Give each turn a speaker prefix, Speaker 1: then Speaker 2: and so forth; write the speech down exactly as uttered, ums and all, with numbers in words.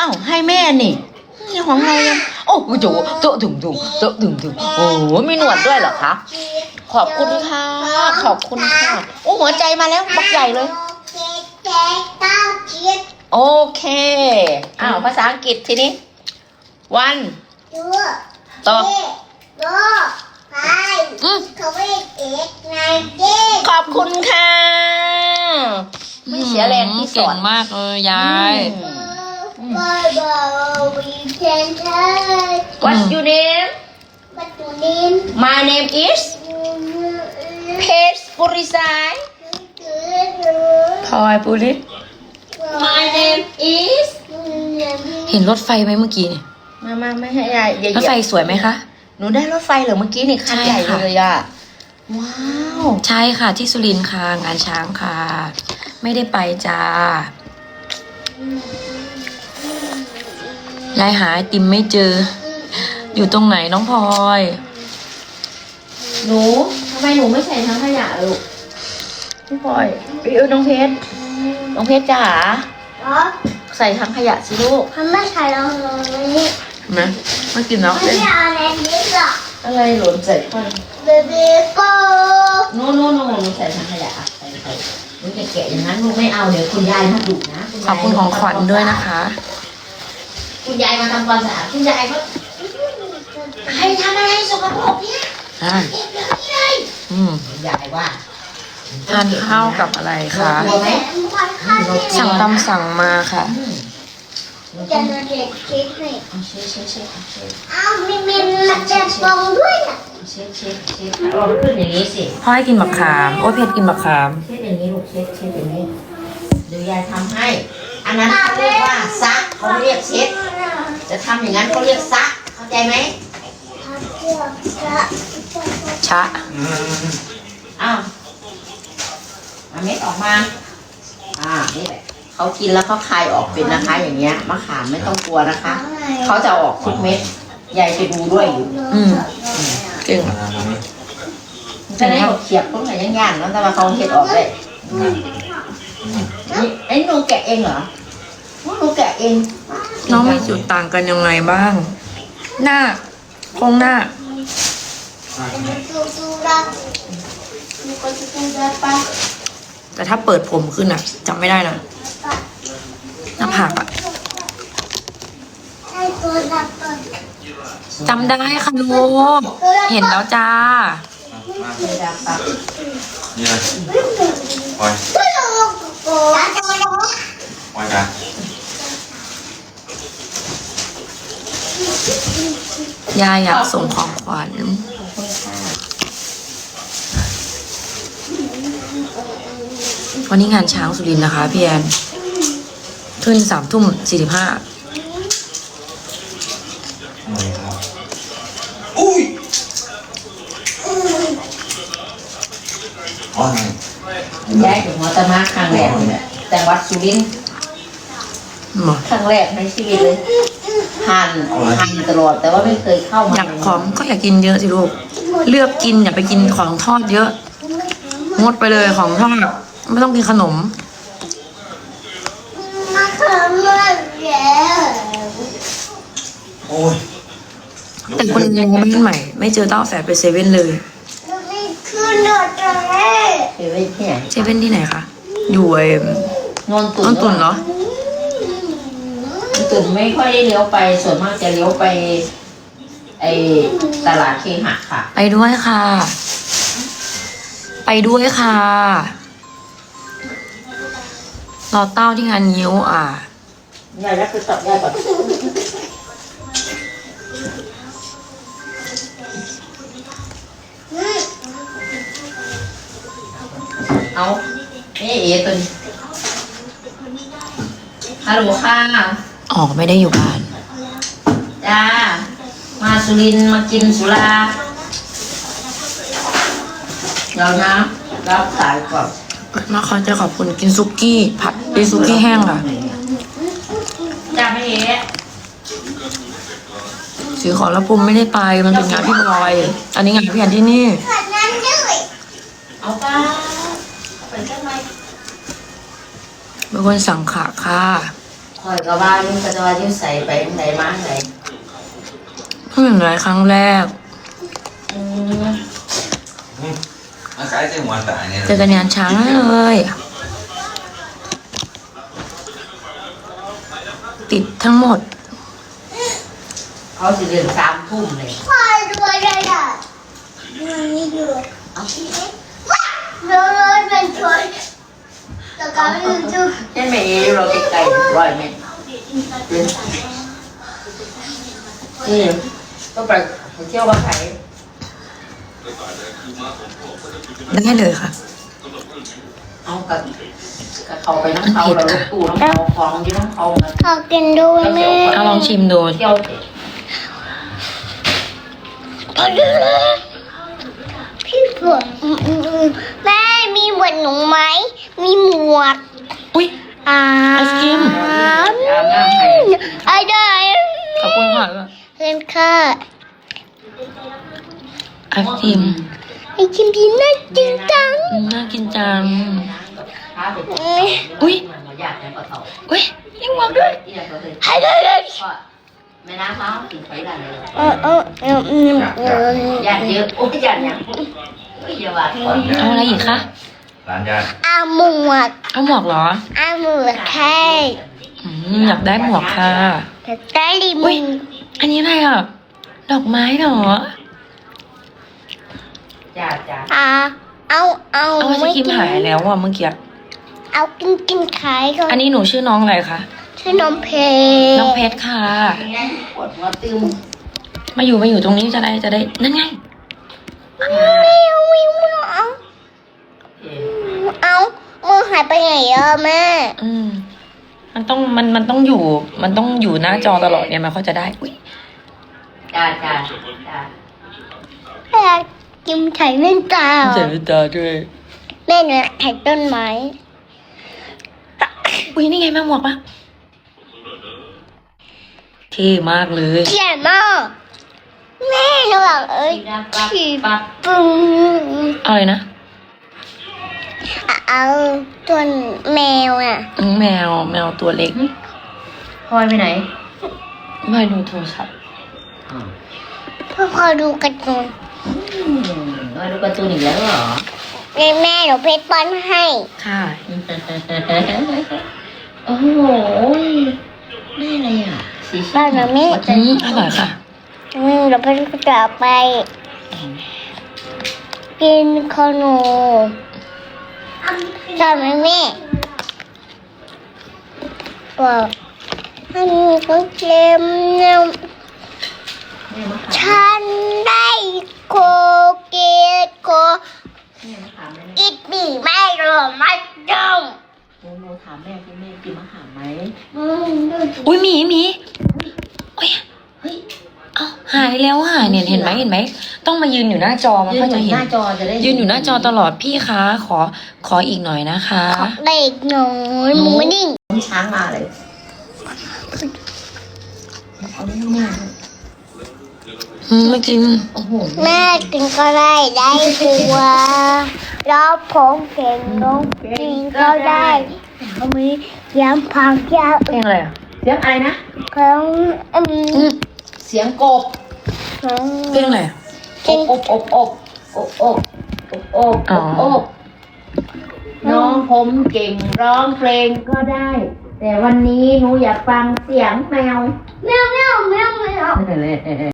Speaker 1: อ้าวให้แม่นี่นี่ของเรายังโอ้โหโจโตถึงถึงโตถึงถึงโอ้มีหนวดด้วยเหรอคะขอบคุณค่ะขอบคุณค่ะโอ้หัวใจมาแล้วบักใหญ่เลยโอเคอ้าวภาษาอังกฤษทีนี้วันต่ออืมขอบคุณค่ะไม่เสียแรงที่สอน
Speaker 2: เก่งมากเลยยาย
Speaker 1: What's your name My name is Paige Purisai
Speaker 2: พลอยปุริศ
Speaker 1: My name is
Speaker 2: เห็นรถไฟไหมเมื่อกี้นี่
Speaker 1: มามาไม่ให้ยายอย่าร
Speaker 2: ถไฟสวยไหมคะ
Speaker 1: หนูได้รถไฟเหรอเมื่อกี้นี่คันใหญ่เลยอ่ะว้าว
Speaker 2: ใช่ค่ะที่สุรินทร์ค่ะงานช้างค่ะ ไม่ได้ไปจ้ายายหาไอติมไม่เจอ อยู่ตรงไหนน้องพลอย
Speaker 1: หนูทำไมหนูไม่ใส่ทั้งขยะลูกพี่พลอยพี่เอ้ยน้องเพชรน้องเพชรจ๋าใส่ทั้งขยะสิลูก
Speaker 3: ทำไม่ใช่เราเลย
Speaker 2: นะไม่กินแล้ว
Speaker 3: ไม่เอาอะไรนิดหรอก
Speaker 1: อะไรหล่นใส่ค่อย
Speaker 3: เบบี้โก้
Speaker 1: โน่โน่โน่หนูใส่ทั้งขยะอ่ะใส่ใส่หนูจะแกะอย่างนั้นลูกไม่เอาเดี๋ยวคุณยายมาดุนะ
Speaker 2: ขอบคุณของขวัญด้วยนะคะ
Speaker 1: คุณยายมาทำความสะอาดคุณยายก็ใครทำอะไรสกปรกเนี่ย
Speaker 2: อ่า
Speaker 1: เก็บเดี๋ยวนี้เลย
Speaker 2: อืม
Speaker 1: คุณยายว่า
Speaker 2: ทานข้าวกับอะไรคะ
Speaker 1: กลัวไหม
Speaker 2: สั่งตำสั่งมาค่ะ
Speaker 1: อืมหนู
Speaker 3: จะ
Speaker 1: ต้อง
Speaker 3: โดนเด็กเช็คให้
Speaker 1: เอาเช็ดเช็ดเช็ดเช็ด
Speaker 3: อ้าวมีเมนมาเจ็บฟองด้วยอ่ะ
Speaker 1: เช็ดเช็ดเช็ดเอาขึ้นอย่างนี้สิ
Speaker 2: พ่อให้กินบักขาม โอ้ยเพชรกินบักขาม
Speaker 1: เช็ดอย่างนี้ลูกเช็ดเช็ดอย่างนี้เดี๋ยวยายทำให้ อันนั้นเขาเรียกว่าซักเขาไม่เรียกเช็ด จะทำอย่างนั้นเขาเรียกซักเข้าใจไหม
Speaker 2: ชะ
Speaker 1: อ้าวเอาเม็ดออกมา อ่า นี่แหละเขากินแล้วเขาคายออกเป็นนะคะ อย่างเงี้ย มะขามไม่ต้องกลัวนะคะ เขาจะออกทุกเม็ด ยายไปดูด้วยอยู่
Speaker 2: อืมเก่ง
Speaker 1: จะได้บอกเขียบพวกไหนย่างๆแล้วแต่ว่าเขาเห็ดออกได้นี่ไอ้หนูแกะเองเหรอหนูแกะเอง
Speaker 2: น้องมีจุดต่างกันยังไงบ้าง หน้าโครงหน้า แต่ถ้าเปิดผมขึ้นอ่ะจำไม่ได้นะหน้าผากอ่ะจำได้ค่ะลูกเห็นแล้วจ้า
Speaker 4: นี่เลยปล่อยปล่อยจ้ะ
Speaker 2: ยายอยากส่งของขวัญวันนี้งานช้างสุรินทร์นะคะพี่แอนขึ้นสามทุ่มสี่สิบห้า
Speaker 4: อุ้ยอ๋อ
Speaker 1: ย้ายถึงหัวตะมาครั้งแรกเลยแต่วัดสุรินทร์ครั้งแรกในชีวิตเลยหันหันตลอดแต่ว่าไม่เคยเข้ามา
Speaker 2: อยากของก็อยากกินเยอะสิลูกเลือกกินอย่าไปกินของทอดเยอะงดไปเลยของทอดไม่ต้องกินขนม
Speaker 3: มาเขินเลยแย่
Speaker 4: โอ้ย
Speaker 2: แต่คนยังบ้านใหม่ ไม่เจอเต้าแฝดไปเซเว่นเลย
Speaker 3: นี่คือหนวดเลย
Speaker 1: เดี๋ยวไปที่ไหน
Speaker 2: เซเว่นที่ไหนคะอยู่ไอ้
Speaker 1: นนตุ
Speaker 2: ต้นตุนเหรอ
Speaker 1: นนตุนไม่ค่อยได้เลี้ยวไปส่วนมากจะเลี้ยวไปไอตลาดเคหะค่ะ
Speaker 2: ไปด้วยค่ะ ไปด้วยค่ะรอเต้าที่งานยิ้วอ่ะ
Speaker 1: ยายรับไปตับยายก่อนเอาเอ๊ะเอ๋ตุนฮัลโหลค่ะ
Speaker 2: อ๋อไม่ได้อยู่บ้าน
Speaker 1: จ้า มาสุรินทร์มากินสุราเดี๋ยวนะรับสายก่อน
Speaker 2: มาขอจะขอบคุณกินซุกี้ผัดเป็นซุกี้แห้งค่ะ
Speaker 1: จ้าไม่เอ๋
Speaker 2: ซื้อของแล้วปุ่มไม่ได้ไปมันเป็นงานพี่บอย อันนี้งานพี่แอนที่นี่
Speaker 3: ขนาดนั้นด้วย
Speaker 1: เอาป้าเอาไปจังไหม
Speaker 2: เป็นคนสั่งขาค่ะ
Speaker 1: ขคอยกับว่านี่ก็จะว่ายิ้มใส่ไปไหนมาไหน
Speaker 2: เพิ่งเห็นหลายครั้งแรก
Speaker 1: อืม
Speaker 4: มันคล้ายเส้นหัวตายเนี่ย
Speaker 2: เจอกันงานช้างเลย ติดทั้งหมด
Speaker 1: เขาสิเรียนสามทุ่มเลย
Speaker 3: พ่อดูอะไรอ่ะมันนี่ดูเอาพี่เล็กว้าวรถรถมันชนแต่ก็ไม่รู้จุด
Speaker 1: เช่นแม่เอ๋เราไกลๆร้อยเมตรนี่ก็ไปเที่ยวว่าใคร
Speaker 2: ได้เลยค่ะ
Speaker 1: เอากับกับเขาไปน้ำเขาเราลูกตู้น้ำเขาของที่น้ำเขามัน
Speaker 3: ขอกินด้วยแม่
Speaker 2: เอาลองชิมดู
Speaker 1: เที่ยวเสร็จ
Speaker 3: เอาดูเลยพี่ฝนแม่มีหมวกหนูไหมมีหมวก
Speaker 2: อุ้ย
Speaker 3: อ่า
Speaker 2: ไอศกรีม
Speaker 1: อาบน้ำให้
Speaker 3: ไอ้ได้
Speaker 2: ขอบคุณค่ะ
Speaker 3: เพื่อนค่ะ
Speaker 2: ไอศกรีม
Speaker 3: ไอ้ชิมพีน่าจริงจัง
Speaker 2: อืมน่ากินจัง
Speaker 1: พาไปกิน
Speaker 2: อุ้ย
Speaker 1: มันอยากให้เขาเต่า
Speaker 2: อุ้ยยังหวังด้วย
Speaker 1: เอี่ยเขาเลย
Speaker 3: ไอ้ได้เลย
Speaker 1: ก็แม่น้ำเขาถึงไปได้เลย
Speaker 3: เออเออเออเออเออ
Speaker 1: ญาติเยอะโอ้ยญาติยังโอ้ยอย่าว่าก่อน
Speaker 2: เอาอะไรอีกคะ
Speaker 4: ร้านญาติ
Speaker 3: อาหมวก
Speaker 2: เอาหมวกเหรอ
Speaker 3: อาหมวกแค่
Speaker 2: อืมอยากได้หมวกค่ะ
Speaker 3: แต่ได้ดี
Speaker 2: อุ้
Speaker 3: มึ
Speaker 2: ย
Speaker 3: ง
Speaker 2: อันนี้อะไรอ่ะ ดอกไม้เหรอ
Speaker 1: ญาติจ้า
Speaker 3: อ่าเอาเอา
Speaker 2: เอาไอศกรีมหายแล้วอ่ะเมื่อกี้
Speaker 3: เอากินกินขายก่อน
Speaker 2: อันนี้หนูชื่อน้องอะไรคะ
Speaker 3: ชื่อน้องเพ
Speaker 2: น้องเพชรค่ะ
Speaker 1: ปวดหัวตึม
Speaker 2: มาอยู่มาอยู่ตรงนี้จะได้จะได้ นั่นไง
Speaker 3: ไม่เอาไม่เอาเอามือหายไปไหนอะแม่
Speaker 2: อืม มันต้องมันมันต้องอยู่ มันต้องอยู่หน้าจอตลอดเนี่ยมันเขาจะได้ อุ้ย
Speaker 1: จ้าจ้าจ้า
Speaker 3: แม่กินไข่เล่นตา
Speaker 2: เจ็บตาด้วย
Speaker 3: แม่หนูไข่ต้นไม้
Speaker 2: อุ้ยนี่ไงมาหมวกปะเท่มากเลย
Speaker 3: เขียนมากแม่หนูบอกเอ้ย
Speaker 1: ปัก
Speaker 3: ฉีด
Speaker 1: ปัก
Speaker 3: ปึ้ง
Speaker 2: เอาเลยนะ
Speaker 3: เอาตัวแมวอ่ะ
Speaker 2: อืมแมวแมวตัวเล็ก
Speaker 1: พลอยไปไหน
Speaker 2: ไม่ดูโทรศัพท์
Speaker 3: พ่อพอดูการ์ตูน
Speaker 1: อืมมาดูการ์ตูนอีกแล้วเหรอ
Speaker 3: ในแม่หนูเพชรป้อนให้
Speaker 2: ค่ะ
Speaker 1: โอ้โหได้อะไรอ่ะสี
Speaker 3: บ้านหนูแม่
Speaker 2: อืมอร่อยค่ะ
Speaker 3: อืมเราไปจะไปกินขนมจำไหมแม่บอกอันนี้ก็เค็มเนี่ยฉันได้โคเกตโคอิดบีไม่รอไม่ดม
Speaker 1: โมถามแม่พี่แม่กินมะขามไหม
Speaker 2: อุ้ยหมีหมีอุ้ย
Speaker 1: เฮ้ย
Speaker 2: เอาหายแล้วหายเนี่ยเห็นไหมเห็นไหม ต้องมายืนอยู่หน้าจอมัน
Speaker 1: ยืน
Speaker 2: ก็
Speaker 1: อ
Speaker 2: จะ
Speaker 1: ยู่
Speaker 2: เห็
Speaker 1: ห
Speaker 2: น
Speaker 1: น้าจอจะได้
Speaker 2: ยืนอยู่หน้าจอตลอดพี่คะขอขออีกหน่อยนะคะ
Speaker 3: เด็กหน่อยหมูนิ่ง
Speaker 1: ช้างมาเลยเอาเรื่องแม่
Speaker 2: อืมไม่กิน
Speaker 1: โอ้โห
Speaker 3: แม่กินก็ได้ได้ตัวแล้วผมเก่งน้องกินก็ได้เขามียำผักยา
Speaker 2: เพลงอะไรอ่ะ
Speaker 1: เสียงอะไรนะ
Speaker 3: ของอืม
Speaker 1: เสียงกบ
Speaker 3: ของ
Speaker 2: เพลงอะไรอ่ะ
Speaker 1: อบอบอบอบอบอบอบอบ
Speaker 2: อ๋อ
Speaker 1: อบน้องผมเก่งร้องเพลงก็ได้ แต่วันนี้หนูอยากฟังเสียงแมว
Speaker 3: แมวแมวแมวแมว
Speaker 1: นั่นแหละ